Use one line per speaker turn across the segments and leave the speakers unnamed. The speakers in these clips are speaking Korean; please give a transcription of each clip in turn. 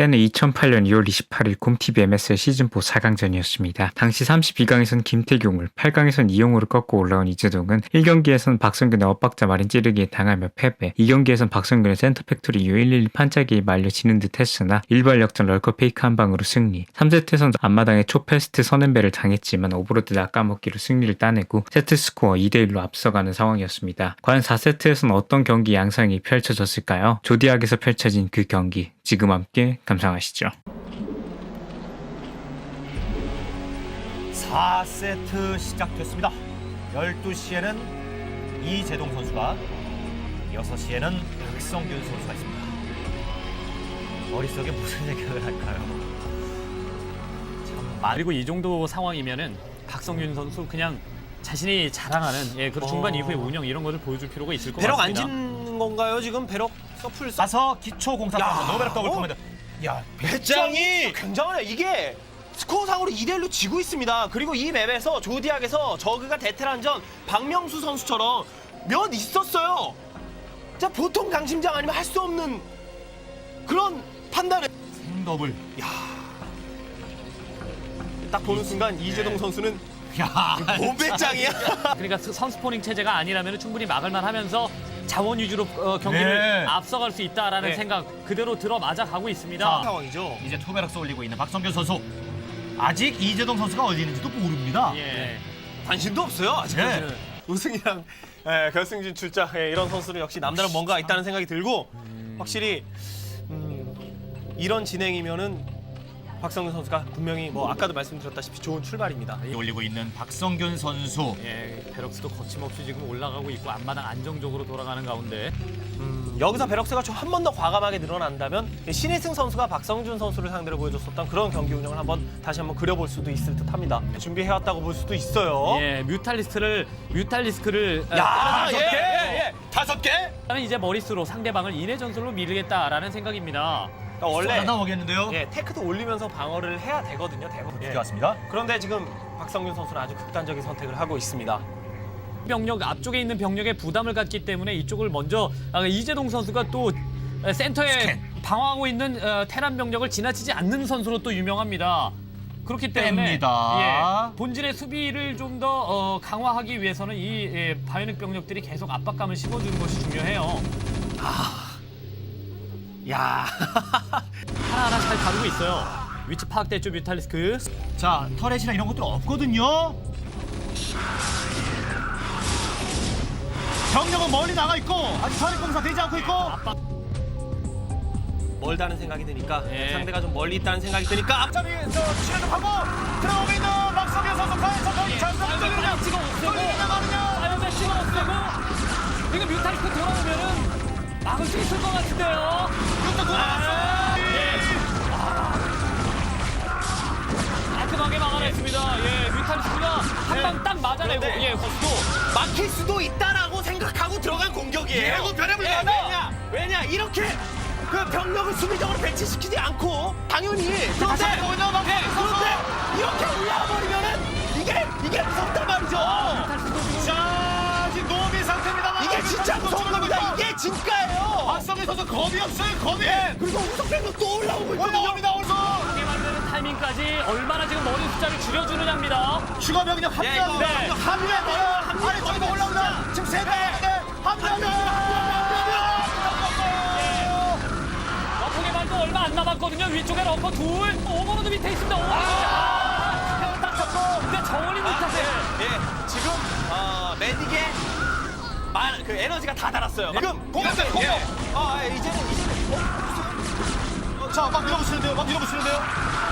때는 2008년 2월 28일 곰TV MSL 시즌4 4강전이었습니다. 당시 32강에선 김태경을, 8강에선 이용호를 꺾고 올라온 이재동은 1경기에선 박성균의 엇박자 마린 찌르기에 당하며 패배, 2경기에선 박성균의 센터 팩토리 이후 112 판짜기에 말려 지는 듯 했으나 일발 역전 럴커 페이크 한 방으로 승리, 3세트에선 앞마당에 초패스트 선앤배를 당했지만 오버로드 낚아먹기로 승리를 따내고 세트스코어 2대1로 앞서가는 상황이었습니다. 과연 4세트에선 어떤 경기 양상이 펼쳐졌을까요? 조디악에서 펼쳐진 그 경기, 지금 함께 감상하시죠.
4세트 시작됐습니다. 12시에는 이재동 선수가, 6시에는 박성균 선수가 있습니다. 머릿속에 무슨 생각을 할까요? 참
그리고 이 정도 상황이면은 박성균 선수 그냥 자신이 자랑하는 그런 중반 이후의 운영 이런 것을 보여줄 필요가 있을 것
배럭
같습니다.
안 짓는 건가요 지금? 배럭 서플
가서 기초 공사 노베럭 더블 커맨드.
야, 배짱이 굉장하네. 이게 스코어상으로 2대1로 지고 있습니다. 그리고 이 맵에서 조디악에서 저그가 대테란전 박명수 선수처럼 몇 있었어요. 자, 보통 강심장 아니면 할 수 없는 그런 판단을.
더블.
딱 보는 순간 이재동 선수는
야,
몸배짱이야.
그러니까 선스포닝 체제가 아니라면 충분히 막을만 하면서 자원 위주로 경기를 앞서갈 수 있다라는
네.
생각 그대로 들어맞아 가고 있습니다.
자,
상황이죠.
이제 투베럭스 올리고 있는 박성균 선수. 아직 이재동 선수가 어디 있는지도 모릅니다.
예.
관심도 없어요 아직까지는. 우승이랑 결승진 출자 이런 선수는 역시 남다른 뭔가 있다는 생각이 들고 확실히 이런 진행이면은 박성균 선수가 분명히 뭐 아까도 말씀드렸다시피 좋은 출발입니다.
올리고 있는 박성균 선수.
베럭스도 거침없이 지금 올라가고 있고 앞마당 안정적으로 돌아가는 가운데
여기서 베럭스가 좀 한 번 더 과감하게 늘어난다면 신희승 선수가 박성준 선수를 상대로 보여줬었던 그런 경기 운영을 다시 한번 그려볼 수도 있을 듯합니다. 준비해왔다고 볼 수도 있어요.
뮤탈리스크를
야,
예.
5개?
이제 머릿수로 상대방을 인해 전술로 밀겠다라는 생각입니다.
그러니까 원래
나오겠는데요.
테크도 올리면서 방어를 해야 되거든요. 대부분.
왔습니다.
그런데 지금 박성균 선수는 아주 극단적인 선택을 하고 있습니다.
병력 앞쪽에 있는 병력에 부담을 갖기 때문에 이쪽을 먼저 이재동 선수가 또 센터에 방어하고 있는 테란 병력을 지나치지 않는 선수로 또 유명합니다. 그렇기 때문에
뺍니다.
본진의 수비를 좀 더 강화하기 위해서는 이 바이오닉 병력들이 계속 압박감을 심어주는 것이 중요해요.
야,
하나하나 잘 다루고 있어요. 위치 파악됐죠, 뮤탈리스크.
자, 터렛이나 이런 것들 없거든요. 병력은 멀리 나가 있고 아직 터렛 공사 되지 않고 있고.
멀다는 생각이 드니까
예.
상대가 좀 멀리 있다는 생각이 드니까
앞자리 치료하고 들어오고 있는 박성균 선수 거의
사이언 찍어 없애고 사이언 찍어 없애고 이거 뮤탈리스크 돌아오면은 막을 수 있을 것 같은데요.
이것도 돌아왔어.
깔끔하게 막아냈습니다. 뮤탈리스크가 한 방 딱 맞아내고
그런데
거기도
막힐 수도 있다라고 생각하고 들어간 공격이에요.
예고 변함을
왜냐 이렇게 그 병력을 수비적으로 배치시키지 않고 당연히 그런데 이렇게 올라와버리면은 이게 무섭단 말이죠.
자, 지금 노미 상태입니다만
이게 진짜 무서운 겁니다. 이게 진가예요.
박성균 선수 겁이 없어요. 겁이.
그리고 우석병력 또 올라오고 있거든요.
올라옵니다. 오른손.
하게 만드는 타이밍까지 얼마나 지금 머리 숫자를 줄여주느냐입니다.
추가 병력 합류합니다.
네.
합류해요. 아래쪽에서 올라옵니다. 지금 세 배. 합류합니다.
러프게 말도 얼마 안 남았거든요. 위쪽에 러퍼 둘, 오버로드 밑에 있습니다. 오버로드 딱 잡고 근데 정원이 못하세요.
지금 매딕의 그 에너지가 다 달았어요. 지금
공격대 공격.
이제는
자, 막 밀어붙이는데요.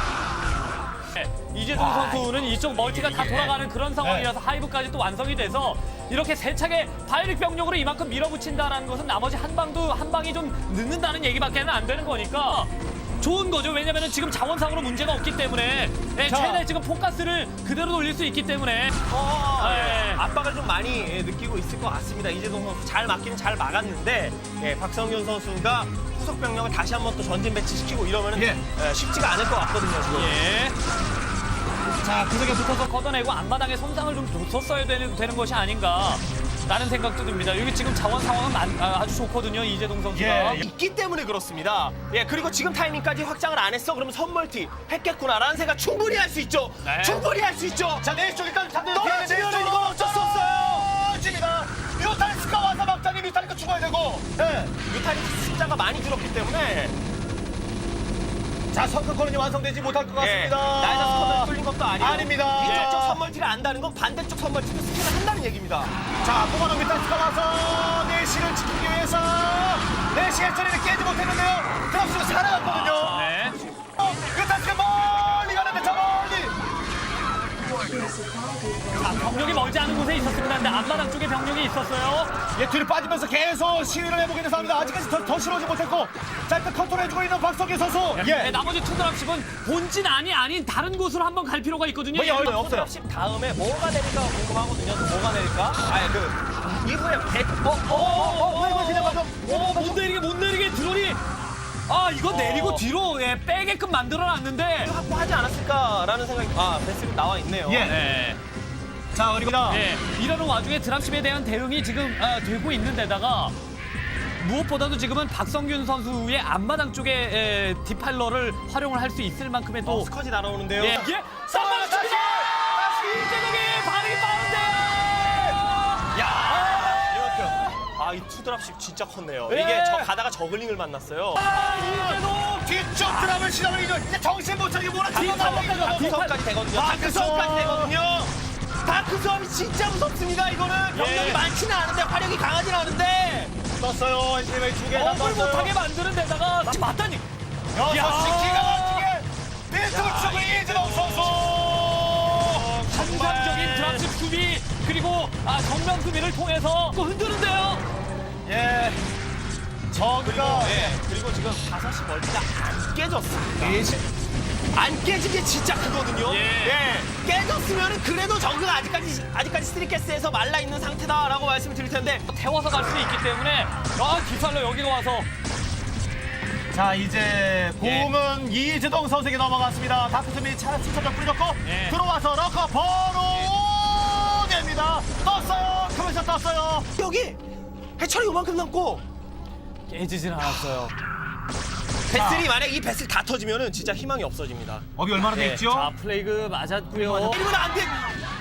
이재동 선수는 이쪽 멀티가 다 돌아가는 그런 상황이라서 하이브까지 또 완성이 돼서 이렇게 세차게 바이릭 병력으로 이만큼 밀어붙인다라는 것은 나머지 한 방이 좀 늦는다는 얘기밖에는 안 되는 거니까 좋은 거죠. 왜냐면은 지금 자원상으로 문제가 없기 때문에 최대 지금 포커스를 그대로 돌릴 수 있기 때문에
압박을 좀 많이 느끼고 있을 것 같습니다. 이재동 선수 잘 막기는 잘 막았는데 박성균 선수가 후속 병력을 다시 한번 또 전진 배치시키고 이러면은 쉽지가 않을 것 같거든요. 지금.
자, 구석에 붙어서 걷어내고 앞마당에 손상을 좀 줬었어야 되는 것이 아닌가. 라는 생각도 듭니다. 여기 지금 자원 상황은 아주 좋거든요. 이재동 선수가.
예.
있기 때문에 그렇습니다. 예, 그리고 지금 타이밍까지 확장을 안 했어. 그러면 선멀티 했겠구나라는 생각 충분히 할 수 있죠.
네.
충분히 할 수 있죠.
자, 내일 쪽 일단 잡는
떨어지면 이건 어쩔 수 없어요.
집니다. 뮤탈리스가 와서 막장에 뮤탈리스가 죽어야 되고. 네.
뮤탈리스 숫자가 많이 줄었기 때문에
자, 성큼권이 완성되지 못할 것 같습니다.
나이가 선멀티 뚫린 것도 아니고
아닙니다.
이쪽
예.
쪽 선멀티를 안다는 건 반대쪽 선멀티도 스킬을 한다는 얘기입니다.
자, 뽑아놓은 뮤탈리스가 와서 내시를 지키기 위해서 내시의 처리를 깨지 못했는데요. 드랍스가 살아갔거든요.
네.
뮤탈리스가 멀리 가는데 저 멀리.
자, 병력이 멀지 않은 곳에 있었습니다. 근데 앞마당 쪽에 병력이 있었어요.
예, 뒤로 빠지면서 계속 시위를 해보고 있는 상황입니다. 아직까지 더 실어오지 못했고 자, 일단 컨트롤해주고 있는 박성기 선수.
네, 나머지 투드랍십은 본진 아닌 다른 곳으로 한번 갈 필요가 있거든요.
뭐,
예를 들어
없어요.
10 다음에 뭐가 내릴까 궁금하거든요. 또 뭐가 내릴까? 아예 그 이후에
그냥 맞아.
못 내리게 드론이 이거 내리고 뒤로 빼게끔 만들어놨는데.
확보하지 않았을까라는 생각이 베슬이 나와 있네요.
예.
네.
자, 그리고
이러는 와중에 드랍십에 대한 대응이 지금 되고 있는데다가 무엇보다도 지금은 박성균 선수의 앞마당 쪽에 디팔러를 활용을 할 수 있을 만큼의 또
스커지 날아오는데요.
예. 선방 칩니다. 이재동이 반응이 빠른데요.
이 투드랍십 진짜 컸네요.
예.
이게 저 가다가 저글링을 만났어요.
이재동.
뒤쪽 드랍을 시작을 이제 정신 못 차리게
디팔러까지 와,
다크수업까지 되거든요. 다크수업까지 되거든요. 다크수업이 진짜 무섭습니다. 이거는 병력이
예.
많지는 않은데 화력이 강하진 않은데
떴어요. 엔지메이 두개
업을 못하게 만드는 데다가 맞다니.
6시 기가 막히게 빈틈을 치고 이재동 선수.
환상적인 드랍십 수비 그리고 정면 수비를 통해서 또 흔드는데요.
예. 저기가
그리고 지금 5시 멀티가 안 깨졌습니다. 안 깨진 게 진짜 크거든요.
예.
깨졌으면 그래도 저그가 아직까지 스트리캐스에서 말라 있는 상태다라고 말씀을 드릴 텐데
태워서 갈 수 있기 때문에 디팔러 여기가 와서
자, 이제 공은 이재동 선수에게 넘어갔습니다. 다크스미 차량 추천적 뿌려줬고
예.
들어와서 러커 바로 됩니다. 떴어요. 커맨션 떴어요.
여기 해철이 요만큼 남고
깨지진 않았어요.
배슬이 만약 이 배슬 다 터지면은 진짜 희망이 없어집니다.
업이 얼마나 돼 있죠?
자 플레이그 맞았고요.
이러면 안 돼.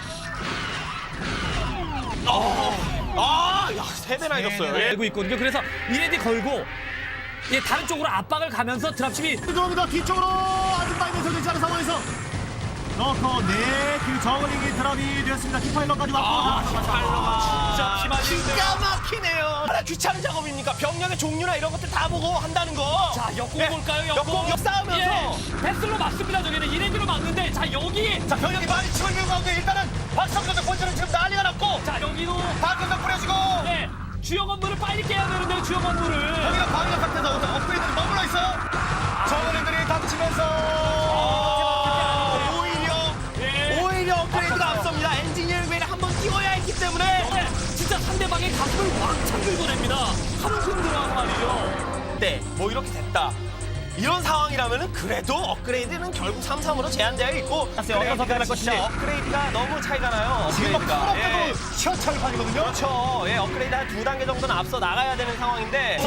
야, 3배나 이겼어요. 예.
알고 있거든요. 그래서 이레디 걸고 다른 쪽으로 압박을 가면서 드랍십이
들어옵니다. 뒤쪽으로 아직 많이 되지 않은 상황에서 러커 그 저글링이 드랍이 되었습니다. 디파일러까지 왔고
진짜 피말리는데요.
기가 막히네요. 얼마나 귀찮은 작업입니까? 병력의 종류나 이런 것들 다 보고 한다는 거.
자 역공
예,
볼까요?
역공 싸우면서.
패스로 막습니다. 저기는 이레디로 막는데 자 여기
자, 병력이 많이 치고 있는 가운데 일단은 박성준의 본체는 지금 난리가 났고
자 여기도
박근성 뿌려주고
주요 건물을 빨리 깨야 되는데 주요 건물을
여기가 방위력 상태에서 업그레이드를 머물러 있어요. 저글링들이 닥치면서
오히려 업그레이드가 앞섭니다. 엔지니어링을 한번 띄워야 했기 때문에.
진짜 상대방의 가슴을 왕창 긁어냅니다. 한숨 들어가서 말이죠.
네, 뭐 이렇게 됐다. 이런 상황이라면은 그래도 업그레이드는 결국 3-3으로 제한되어 있고
어떤 선택을 할 것인지.
진짜 업그레이드가 너무 차이가 나요.
지금 막
업그레이드가.
풀업돼도 시원찮은 판이거든요.
그렇죠. 업그레이드 한 2단계 정도는 앞서 나가야 되는 상황인데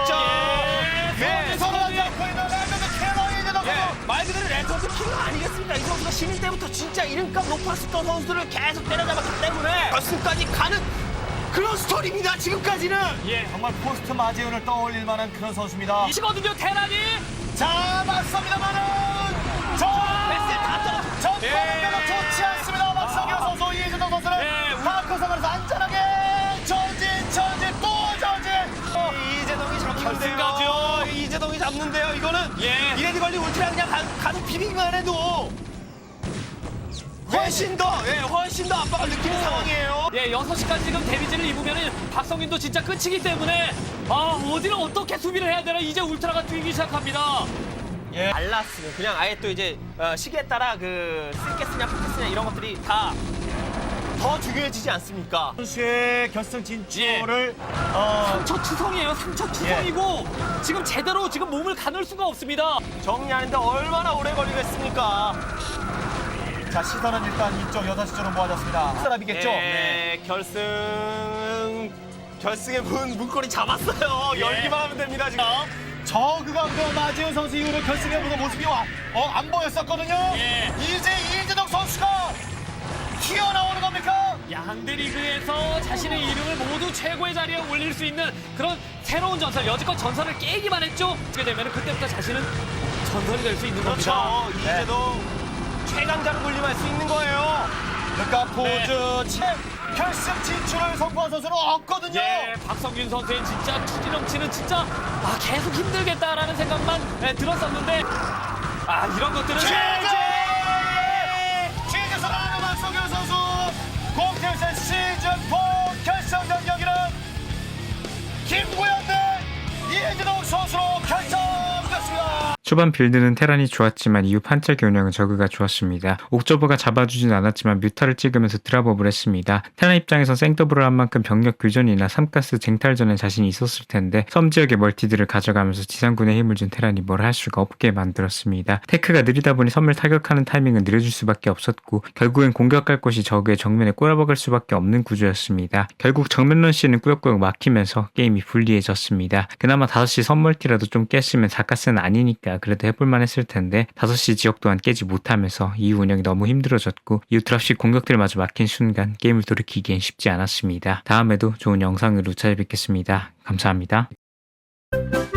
서로 잡고 있는 랜드드 캐논이 이제 넣고
말 그대로 레전드 킬러 아니겠습니까? 이 선수가 신인 때부터 진짜 이름값 높았었던 선수들을 계속 때려잡았기 때문에 결승까지 가는 그런 스토리입니다. 지금까지는.
정말 포스트 마재훈을 떠올릴 만한 그런 선수입니다.
이거든요 테란이.
자, 맞습니다만은 저
베스트 다 떨어져.
저 별로 좋지 않습니다. 박성규 선수, 이재동 선수는 다크성에서 안전하게 전진 또 전진.
이재동이 잡는데요.
결승까지요.
이재동이 잡는데요. 이거는 이레디 걸리 울트라 그냥 가서 비비기만 해도 훨씬 더 압박을 느끼는 상황이에요.
6시까지 지금 데미지를 입으면 박성균도 진짜 끝이기 때문에 어디를 어떻게 수비를 해야 되나 이제 울트라가 뛰기 시작합니다.
알라스는 그냥 아예 또 이제 시기에 따라 그 쓸게스냐 포켓스냐 이런 것들이 다 더 중요해지지 않습니까?
선수의 결승 진출을
상처 투성이에요. 상처 투성이고 지금 제대로 지금 몸을 가눌 수가 없습니다.
정리하는데 얼마나 오래 걸리겠습니까?
자, 시선은 일단 이쪽 6시쪽으로 모아졌습니다. 사람이겠죠?
네, 결승의 문고리 잡았어요.
예.
열기만 하면 됩니다 지금.
저그가 마지훈 선수 이후로 결승에 보는 모습이 안 보였었거든요.
예.
이제 이재동 선수가 튀어나오는 겁니까?
양대 리그에서 자신의 이름을 모두 최고의 자리에 올릴 수 있는 그런 새로운 전설, 여지껏 전설을 깨기만 했죠. 그렇게 되면 그때부터 자신은 전설이 될 수 있는 겁니다.
그렇죠. 이제도 최강자로 군림할 수 있는 거예요.
그러니까 포즈 결승 진출을 성공한 선수는 없거든요.
예, 박성균 선수의 진짜 투지 넘치는 진짜 계속 힘들겠다라는 생각만 들었었는데 이런 것들은
최재 선언하는 박성균 선수 공태선 시즌4 결승전 경기는 김구현 대 이재동 선수로 결정됐습니다.
초반 빌드는 테란이 좋았지만 이후 판짜기 운영은 저그가 좋았습니다. 옥저버가 잡아주진 않았지만 뮤타를 찍으면서 드랍업을 했습니다. 테란 입장에선 생더블을 한 만큼 병력 교전이나 삼가스 쟁탈전에 자신이 있었을 텐데 섬 지역의 멀티들을 가져가면서 지상군에 힘을 준 테란이 뭘 할 수가 없게 만들었습니다. 테크가 느리다 보니 섬을 타격하는 타이밍은 느려질 수밖에 없었고 결국엔 공격할 곳이 저그의 정면에 꼬라박을 수밖에 없는 구조였습니다. 결국 정면 런시는 꾸역꾸역 막히면서 게임이 불리해졌습니다. 그나마 5시 섬 멀티라도 좀 깼으면 4가스는 아니니까 그래도 해볼만 했을 텐데 5시 지역 또한 깨지 못하면서 이후 운영이 너무 힘들어졌고 이후 드랍식 공격들마저 막힌 순간 게임을 돌이키기엔 쉽지 않았습니다. 다음에도 좋은 영상으로 찾아뵙겠습니다. 감사합니다.